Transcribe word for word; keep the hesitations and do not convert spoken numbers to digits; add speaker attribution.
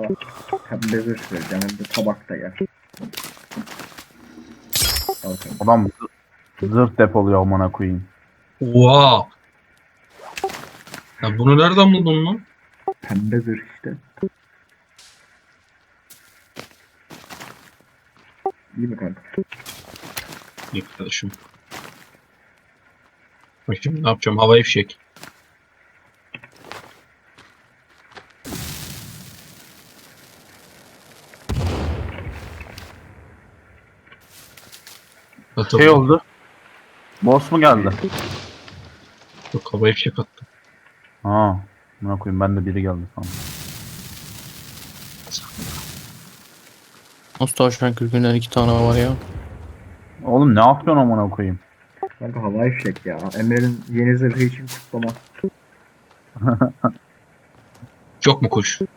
Speaker 1: sana pembe zırh vereceğim hem de tabak da yer. Al kanka.
Speaker 2: Adam zı- zırh depoluyor amına koyayım.
Speaker 3: Oha. Ya bunu nereden buldun lan?
Speaker 1: Pembe zırh işte. İyi mi kanka?
Speaker 3: İyi kardeşim. Bak şimdi ne yapacağım? Havai fişek. Atıldı.
Speaker 2: Şey oldu. Boss mu geldi?
Speaker 3: Yok, havai fişek attım.
Speaker 2: Ha. Amına koyayım ben de biri geldi sandım.
Speaker 4: Nasıl tavşan kürkünden iki tane var ya?
Speaker 2: Oğlum ne yapıyorsun amına koyayım?
Speaker 1: Kanka havai fişek ya. Emre'nin yeni zırhı için kutlama.
Speaker 3: Çok mu kuş?